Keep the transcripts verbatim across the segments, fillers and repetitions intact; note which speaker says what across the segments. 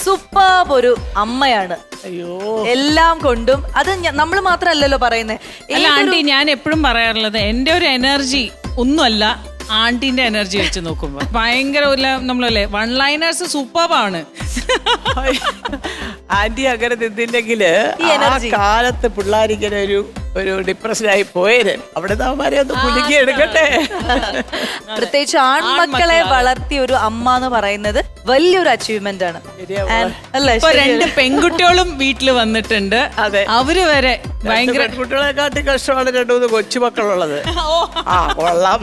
Speaker 1: Super ഒരു അമ്മയാണ്.
Speaker 2: അയ്യോ,
Speaker 1: എല്ലാം കൊണ്ടും അത് നമ്മൾ മാത്രമല്ലല്ലോ പറയുന്നത്.
Speaker 3: അല്ല ആന്റി, ഞാൻ എപ്പോഴും പറയാറുള്ളത് എന്റെ ഒരു എനർജി ഒന്നുമല്ല ആന്റിന്റെ എനർജി വെച്ച് നോക്കുമ്പോ ഭയങ്കര ഒരു നമ്മളല്ലേ വൺ ലൈനേഴ്സ് സൂപ്പറാണ്.
Speaker 2: ആന്റി അങ്ങനെ നിന്നില്ലെങ്കില് ആ കാലത്ത് പിള്ളേരിങ്ങനെ ഒരു ഒരു ഡിപ്രഷനായി പോയേര്. അവിടെ അവന്മാരെ ഒന്ന് കുലുക്കി എടുക്കട്ടെ.
Speaker 1: പ്രത്യേകിച്ച് ആൺമക്കളെ വളർത്തിയ ഒരു അമ്മ എന്ന് പറയുന്നത് വലിയൊരു അച്ചീവ്മെന്റ് ആണ്.
Speaker 3: ഇപ്പൊ രണ്ട് പെൺകുട്ടികളും വീട്ടില് വന്നിട്ടുണ്ട്.
Speaker 2: അതെ,
Speaker 3: അവര് വരെ ഭയങ്കര
Speaker 2: പെൺകുട്ടികളെക്കാട്ടി കഷ്ടമാണ് രണ്ടു മൂന്ന് കൊച്ചുമക്കളുള്ളത്. ആ കൊള്ളാം.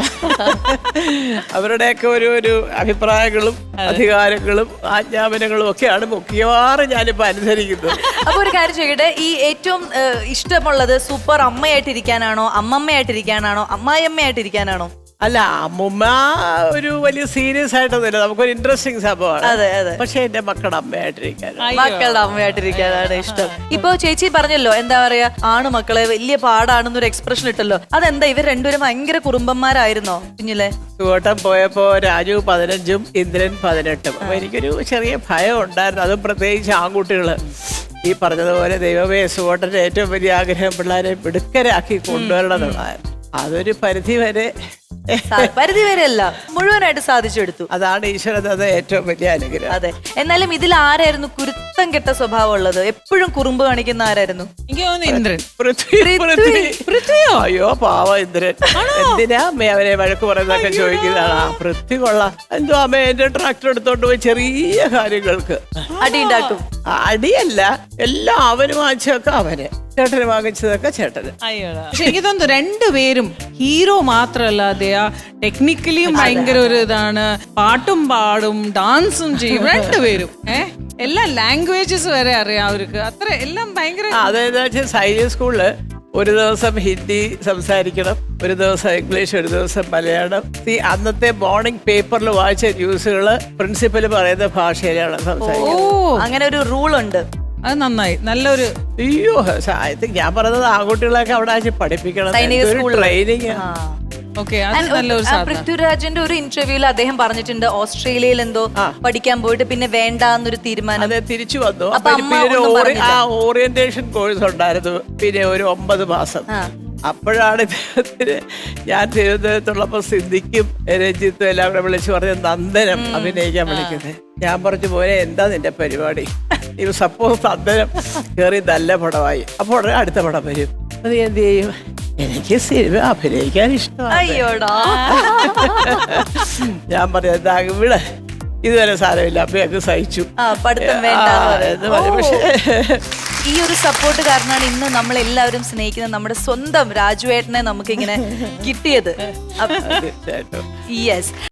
Speaker 2: അവരുടെയൊക്കെ ഒരു ഒരു അഭിപ്രായങ്ങളും അധികാരങ്ങളും ആജ്ഞാപനങ്ങളും ഒക്കെയാണ് മിക്കവാറും ഞാനിപ്പോ അനുസരിക്കുന്നത്.
Speaker 1: അപ്പൊ ഒരു കാര്യം ചോദിക്കട്ടെ, ഈ ഏറ്റവും ഇഷ്ടമുള്ളത് സൂപ്പർ അമ്മയായിട്ടിരിക്കാനാണോ, അമ്മമ്മയായിട്ടിരിക്കാനാണോ, അമ്മായിയമ്മയായിട്ടിരിക്കാനാണോ?
Speaker 2: അല്ല, അമ്മുമ്മ ഒരു വലിയ സീരിയസ് ആയിട്ടൊന്നുമില്ല, നമുക്കൊരു ഇൻട്രസ്റ്റിംഗ് സംഭവമാണ്.
Speaker 1: അതെ അതെ.
Speaker 2: പക്ഷെ എന്റെ മക്കളുടെ അമ്മയായിട്ടിരിക്കാനാണ്
Speaker 1: മക്കളുടെ അമ്മയായിട്ടിരിക്കാനാണ് ഇഷ്ടം. ഇപ്പൊ ചേച്ചി പറഞ്ഞല്ലോ, എന്താ പറയാ, ആണ് മക്കളെ വലിയ പാടാണെന്നൊരു എക്സ്പ്രഷൻ ഇട്ടല്ലോ. അതെന്താ, ഇവർ രണ്ടുപേരും ഭയങ്കര കുറുമ്പന്മാരായിരുന്നോ കുഞ്ഞിലെ?
Speaker 2: ചുവട്ടം പോയപ്പോ രാജു പതിനഞ്ചും ഇന്ദ്രൻ പതിനെട്ടും. അപ്പൊ എനിക്കൊരു ചെറിയ ഭയം ഉണ്ടായിരുന്നു, അതും പ്രത്യേകിച്ച് ആൺകുട്ടികള്. ഈ പറഞ്ഞതുപോലെ ദൈവമേ, സുവോട്ടന്റെ ഏറ്റവും വലിയ ആഗ്രഹം പിള്ളേരെ മിടുക്കരാക്കി കൊണ്ടുവരണം എന്നുള്ളതായിരുന്നു. അതൊരു പരിധി വരെ
Speaker 1: പരിധി വരെ അല്ല, മുഴുവനായിട്ട് സാധിച്ചെടുത്തു.
Speaker 2: അതാണ് ഈശ്വരൻ തന്ന ഏറ്റവും വലിയ അനുഗ്രഹം.
Speaker 1: അതെ. എന്നാലും ഇതിൽ ആരായിരുന്നു കുരുത്തം കെട്ട സ്വഭാവം ഉള്ളത്, എപ്പോഴും കുറുമ്പ് കാണിക്കുന്ന ആരായിരുന്നു?
Speaker 3: എനിക്ക് തോന്നുന്നു ഇന്ദ്രൻ.
Speaker 1: പൃഥ്വിയോ?
Speaker 2: അയ്യോ പാവ ഇന്ദ്രൻ. എന്തിനാ അമ്മ അവരെ വഴക്ക് പറയുന്നതൊക്കെ ചോദിക്കുന്നതാണ്. ആ പൃഥ്വി കൊള്ളാം. എന്തോ അമ്മ എന്റെ ട്രാക്ടർ എടുത്തോണ്ട് പോയി ചെറിയ കാര്യങ്ങൾക്ക്
Speaker 1: അടി ഉണ്ടാക്കും.
Speaker 2: അടിയല്ല, എല്ലാം അവന് വാങ്ങിച്ചതൊക്കെ അവന്, ചേട്ടന് വാങ്ങിച്ചതൊക്കെ ചേട്ടന്.
Speaker 3: പക്ഷെ എനിക്ക് തോന്നുന്നു രണ്ടുപേരും ഹീറോ മാത്രമല്ലാതെ ടെക്നിക്കലിയും ഭയങ്കര ഒരു ഇതാണ്. പാട്ടും പാടും ഡാൻസും ചെയ്യും രണ്ടുപേരും. ഏഹ് എല്ലാ ലാംഗ്വേജസ് വരെ അറിയാം അവർക്ക്. അത്ര എല്ലാം ഭയങ്കര.
Speaker 2: അതെന്താ വെച്ചാൽ സൈനിക് സ്കൂളില് ഒരു ദിവസം ഹിന്ദി സംസാരിക്കണം, ഒരു ദിവസം ഇംഗ്ലീഷ്, ഒരു ദിവസം മലയാളം. ഈ അന്നത്തെ മോർണിംഗ് പേപ്പറിൽ വായിച്ച ന്യൂസുകള് പ്രിൻസിപ്പൽ പറയുന്ന ഭാഷയിലാണ് സംസാരിക്കുന്നത്.
Speaker 1: ഓ, അങ്ങനെ ഒരു റൂൾ ഉണ്ട്.
Speaker 3: അത് നന്നായി, നല്ലൊരു.
Speaker 2: അയ്യോ, ഞാൻ പറഞ്ഞത് ആൺകുട്ടികളൊക്കെ അവിടെ വെച്ച് പഠിപ്പിക്കണം, ട്രെയിനിങ്.
Speaker 1: പൃഥ്വിരാജിന്റെ ഒരു ഇന്റർവ്യൂവിൽ അദ്ദേഹം പറഞ്ഞിട്ടുണ്ട്, ഓസ്ട്രേലിയയിൽ എന്തോ പഠിക്കാൻ പോയിട്ട് പിന്നെ വേണ്ട എന്നൊരു തീരുമാനം.
Speaker 2: അതെ, തിരിച്ചു വന്നു. ആ ഓറിയന്റേഷൻ കോഴ്സ് ഉണ്ടായിരുന്നു, പിന്നെ ഒരു ഒമ്പത് മാസം. അപ്പോഴാണ് ഇദ്ദേഹത്തിന് ഞാൻ തിരുവനന്തപുരത്തുള്ളപ്പോ സിദ്ദിഖും രഞ്ജിത്തും എല്ലാം കൂടെ വിളിച്ചു പറഞ്ഞ നന്ദനം അഭിനയിക്കാൻ വിളിക്കുന്നത്. ഞാൻ പറഞ്ഞു, പോലെ എന്താ നിന്റെ പരിപാടി? ഇത് സപ്പോസ് നന്ദനം കയറി നല്ല പടമായി, അപ്പോൾ ഉടനെ അടുത്ത പടം വരും. അത് എന്ത് ചെയ്യും? എനിക്ക് സിനിമ അഭിനയിക്കാൻ ഇഷ്ടമാണ്. ഞാൻ പറഞ്ഞു, എന്താ ഇവിടെ ഇതുവരെ സാരമില്ല, അമ്മയൊക്കെ സഹിച്ചു. പക്ഷേ
Speaker 1: ഈ ഒരു സപ്പോർട്ട് കാരണമാണ് ഇന്ന് നമ്മൾ എല്ലാവരും സ്നേഹിക്കുന്ന നമ്മുടെ സ്വന്തം രാജുവേട്ടനെ നമുക്ക് ഇങ്ങനെ കിട്ടിയത്. യെസ്.